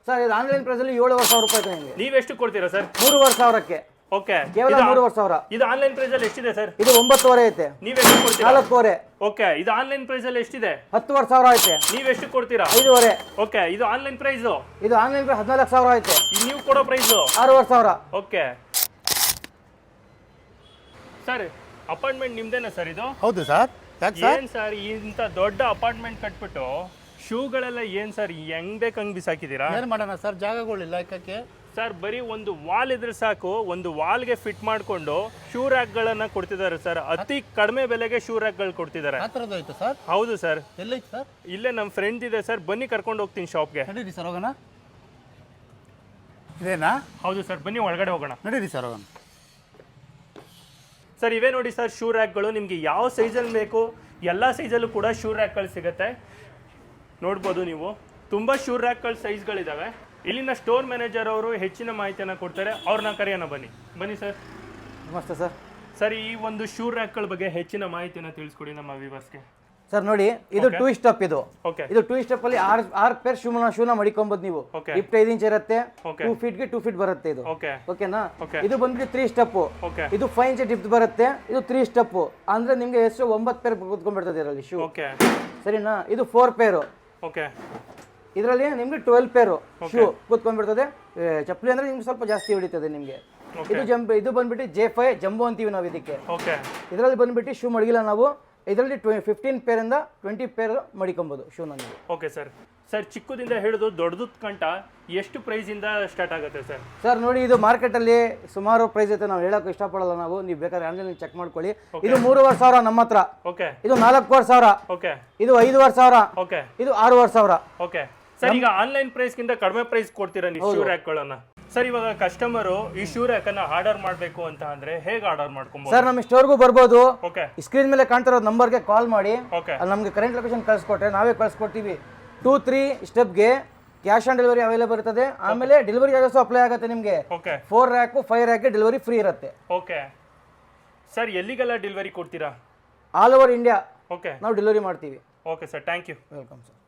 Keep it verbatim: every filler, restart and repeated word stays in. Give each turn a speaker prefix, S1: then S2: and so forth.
S1: Sir ಇದು online price ಅಲ್ಲಿ ಏಳುವರೆ ಸಾವಿರ ರೂಪಾಯಿ ನಿಮಗೆ.
S2: ನೀವೆಷ್ಟು ಕೊಡ್ತೀರಾ ಸರ್?
S1: ಮೂರುವರೆ ಸಾವಿರಕ್ಕೆ.
S2: ಓಕೆ,
S1: ಕೇವಲ ಮೂರುವರೆ ಸಾವಿರ.
S2: ಇದು ಆನ್ಲೈನ್ ಪ್ರೈಸ್ ಅಲ್ಲಿ ಎಷ್ಟಿದೆ ಸರ್?
S1: ಇದು ಒಂಬತ್ತುವರೆ ಐತೆ.
S2: ನೀವೆಷ್ಟು ಕೊಡ್ತೀರಾ?
S1: ನಾಲ್ಕೂವರೆ.
S2: ಓಕೆ, ಇದು ಆನ್ಲೈನ್ ಪ್ರೈಸ್ ಅಲ್ಲಿ ಎಷ್ಟಿದೆ?
S1: ಹತ್ತುವರೆ ಸಾವಿರ ಐತೆ.
S2: ನೀವೆಷ್ಟು ಕೊಡ್ತೀರಾ?
S1: ಐದುವರೆ.
S2: ಓಕೆ, ಇದು ಆನ್ಲೈನ್ ಪ್ರೈಸ್.
S1: ಇದು ಆನ್ಲೈನ್ ಪ್ರೈಸ್ ಹದಿನಾಲ್ಕು ಸಾವಿರ ಐತೆ.
S2: ನೀವು ಕೊಡೋ ಪ್ರೈಸ್
S1: ಆರೂವರೆ ಸಾವಿರ.
S2: ಓಕೆ ಸರ್, ಅಪಾರ್ಟ್ಮೆಂಟ್ ನಿಮ್ದೇನಾ ಸರ್ ಇದು?
S3: ಹೌದು ಸರ್. ಯಾಕೆ ಸರ್?
S2: ಏನ್ ಸರ್ ಇಂಥ ದೊಡ್ಡ ಅಪಾರ್ಟ್ಮೆಂಟ್ ಕಟ್ಬಿಟ್ಟು ಶೂಗಳೆಲ್ಲ ಏನ್ ಸರ್ ಹೆಂಗ್ ಬೇಕು ಹಂಗ್ ಬಿಸಾಕಿದೀರಾ?
S3: ಏನು ಮಾಡೋಣ ಸರ್, ಜಾಗಗಳಿಲ್ಲ ಯಾಕೆ
S2: ಸರ್? ಬರೀ ಒಂದು ವಾಲ್ ಇದ್ರೆ ಸಾಕು, ಒಂದು ವಾಲ್ಗೆ ಫಿಟ್ ಮಾಡ್ಕೊಂಡು ಶೂ ರ್ಯಾಕ್ಗಳನ್ನ ಕೊಡ್ತಿದ್ದಾರೆ ಸರ್. ಅತಿ ಕಡಿಮೆ ಬೆಲೆಗೆ ಶೂ ರ್ಯಾಕ್ಗಳು ಕೊಡ್ತಿದ್ದಾರೆ.
S3: ಆ ಥರದ್ದು ಐತೆ ಸರ್?
S2: ಹೌದು ಸರ್.
S3: ಎಲ್ಲೈತೆ ಸರ್?
S2: ಇಲ್ಲೇ ನಮ್ಮ ಫ್ರೆಂಡ್ ಇದೆ ಸರ್, ಬನ್ನಿ ಕರ್ಕೊಂಡು ಹೋಗ್ತೀನಿ ಶಾಪ್ಗೆ.
S3: ನಡೀರಿ ಸರ್ ಹೋಗೋಣ. ಇದೇನಾ?
S2: ಹೌದು ಸರ್, ಬನ್ನಿ ಒಳಗಡೆ ಹೋಗೋಣ.
S3: ನಡೀರಿ ಸರ್ ಹೋಗೋಣ.
S2: ಸರ್ ಇವೇ ನೋಡಿ ಸರ್ ಶೂ ರ್ಯಾಕ್ಗಳು. ನಿಮಗೆ ಯಾವ ಸೈಜಲ್ಲಿ ಬೇಕು ಎಲ್ಲ ಸೈಜಲ್ಲೂ ಕೂಡ ಶೂ ರ್ಯಾಕ್ಗಳು ಸಿಗುತ್ತೆ. ನೋಡ್ಬೋದು ನೀವು, ತುಂಬ ಶೂ ರ್ಯಾಕ್ಗಳ ಸೈಜ್ಗಳಿದ್ದಾವೆ. ಇಲ್ಲಿನ ಸ್ಟೋರ್ ಮ್ಯಾನೇಜರ್ ಅವರು ಹೆಚ್ಚಿನ ಮಾಹಿತಿಯನ್ನು ಕೊಡ್ತಾರೆ. ಅವ್ರನ್ನ ಕರೆಯೋಣ, ಬನ್ನಿ ಬನ್ನಿ ಸರ್.
S1: ನಮಸ್ತೆ ಸರ್.
S2: ಸರ್, ಈ ಒಂದು ಶೂ ರ್ಯಾಕ್ಗಳ ಬಗ್ಗೆ ಹೆಚ್ಚಿನ ಮಾಹಿತಿಯನ್ನು ತಿಳಿಸ್ಕೊಡಿ ನಮ್ಮ ವ್ಯೂವರ್ಸ್ಗೆ.
S1: ಸರ್ ನೋಡಿ, ಇದು ಟೂ ಸ್ಟೆಪ್. ಇದು
S2: ಓಕೆ,
S1: ಇದು ಟೂ ಸ್ಟೆಪ್ ಅಲ್ಲಿ ಆರ್ ಆರ್ ಪೇರ್ ಶೂನ ಶೂನ ಮಡಿಕೊಂಬೋದು ನೀವು.
S2: ಓಕೆ,
S1: ಇಪ್ಪತ್ತೈದು ಇಂಚ್ ಇರುತ್ತೆ.
S2: ಓಕೆ,
S1: ಟೂ ಫೀಟ್ ಗೆ ಟೂ ಫೀಟ್ ಬರುತ್ತೆ ಇದು.
S2: ಓಕೆ,
S1: ಓಕೆನಾ?
S2: ಓಕೆ.
S1: ಇದು ಬಂದ್ಬಿಟ್ಟು ತ್ರೀ ಸ್ಟೆಪ್.
S2: ಓಕೆ,
S1: ಇದು ಫೈವ್ ಇಂಚ್ ಡಿಪ್ ಬರುತ್ತೆ. ಇದು ತ್ರೀ ಸ್ಟೆಪ್ ಅಂದ್ರೆ ನಿಮ್ಗೆ ಎಷ್ಟು ಒಂಬತ್ತು ಪೇರ್ ಕೂತ್ಕೊಂಡ್ಬಿಡ್ತದೆ ಇದರಲ್ಲಿ ಶೂ.
S2: ಓಕೆ,
S1: ಸರಿನಾ? ಇದು ಫೋರ್ ಪೇರು.
S2: ಓಕೆ,
S1: ಇದರಲ್ಲಿ ನಿಮ್ಗೆ ಟ್ವೆಲ್ ಪೇರು ಶೂ ಕೂತ್ಕೊಂಡ್ಬಿಡ್ತದೆ. ಚಪ್ಪಲಿ ಅಂದ್ರೆ ನಿಮ್ಗೆ ಸ್ವಲ್ಪ ಜಾಸ್ತಿ ಹೊಡಿತದೆ ನಿಮ್ಗೆ. ಇದು ಜಂಪ್ ಇದು ಬಂದ್ಬಿಟ್ಟು ಜೆ ಫೈ ಜಂಬೋ ಅಂತೀವಿ ನಾವು ಇದಕ್ಕೆ.
S2: ಓಕೆ,
S1: ಇದರಲ್ಲಿ ಬಂದ್ಬಿಟ್ಟು ಶೂ ಮಡಗಿಲ್ಲ ನಾವು. ಇದರಲ್ಲಿ ಫಿಫ್ಟೀನ್ ಪೇರ್ ಇಂದ ಟ್ವೆಂಟಿ ಪೇರ್ ಮಡಿಕೊಬಹುದು ಶೂನ ನೀವು.
S2: Okay sir. ಸರ್, ಚಿಕ್ಕದಿಂದ ಹಿಡಿದು ದೊಡ್ಡದು ಕಂಟ ಎಷ್ಟು ಪ್ರೈಸ್ ಇಂದ ಸ್ಟಾರ್ಟ್ ಆಗುತ್ತೆ ಸರ್?
S1: ಸರ್ ನೋಡಿ, ಇದು ಮಾರ್ಕೆಟ್ ಅಲ್ಲಿ ಸುಮಾರು ಪ್ರೈಸ್ ಐತೆ, ನಾವು ಹೇಳಕ್ ಇಷ್ಟಪಡಲ್ಲ ನಾವು. ನೀವು ಬೇಕಾದ್ರೆ ಆನ್ಲೈನ್ ಚೆಕ್ ಮಾಡ್ಕೊಳ್ಳಿ. ಇದು ಮೂರುವರೆ ಸಾವಿರ ನಮ್ಮ ಹತ್ರ.
S2: ಓಕೆ,
S1: ಇದು ನಾಲ್ಕೂವರೆ ಸಾವಿರ.
S2: ಓಕೆ,
S1: ಇದು ಐದುವರೆ ಸಾವಿರ.
S2: ಓಕೆ,
S1: ಇದು ಆರೂವರೆ ಸಾವಿರ.
S2: Okay sir. ಈಗ ಆನ್ಲೈನ್ ಪ್ರೈಸ್ ಗಿಂತ ಕಡಿಮೆ ಪ್ರೈಸ್ ಕೊಡ್ತೀರಾ ನೀವು ಶೂ ರ್ಯಾಕ್ಗಳನ್ನ? ಸರ್, ಇವಾಗ ಕಸ್ಟಮರ್ ಈ ಶೂ ರ್ಯಾಕ್ ಅನ್ನ ಆರ್ಡರ್ ಮಾಡಬೇಕು ಅಂತ ಅಂದ್ರೆ ಹೇಗೆ ಆರ್ಡರ್ ಮಾಡ್ಕೊಬಹುದು?
S1: ಸರ್, ನಮ್ಮ ಸ್ಟೋರ್ಗೂ ಬರ್ಬೋದು.
S2: ಓಕೆ,
S1: ಸ್ಕ್ರೀನ್ ಮೇಲೆ ಕಾಣ್ತಿರೋ ನಂಬರ್ಗೆ ಕಾಲ್ ಮಾಡಿ.
S2: ಓಕೆ,
S1: ಅಲ್ಲಿ ನಮಗೆ ಕರೆಂಟ್ ಲೊಕೇಶನ್ ಕಳಿಸ್ಕೊಟ್ರೆ ನಾವೇ ಕಳಿಸ್ಕೊಡ್ತೀವಿ. ಟೂ ತ್ರೀ ಸ್ಟೆಪ್ಗೆ ಕ್ಯಾಶ್ ಆನ್ ಡೆಲಿವರಿ ಅವೈಲೇಬಲ್ ಇರ್ತದೆ. ಆಮೇಲೆ ಡೆಲಿವರಿ ಚಾರ್ಜಸ್ ಅಪ್ಲೈ ಆಗುತ್ತೆ ನಿಮಗೆ.
S2: ಓಕೆ,
S1: ಫೋರ್ ರ್ಯಾಕು ಫೈವ್ ರ್ಯಾಕ್ಗೆ ಡೆಲಿವರಿ ಫ್ರೀ ಇರುತ್ತೆ.
S2: ಓಕೆ ಸರ್, ಎಲ್ಲಿಗೆಲ್ಲ ಡೆಲಿವರಿ ಕೊಡ್ತೀರಾ?
S1: ಆಲ್ ಓವರ್ ಇಂಡಿಯಾ
S2: ಓಕೆ,
S1: ನಾವು ಡೆಲಿವರಿ ಮಾಡ್ತೀವಿ.
S2: Okay sir, thank you.
S1: Welcome sir.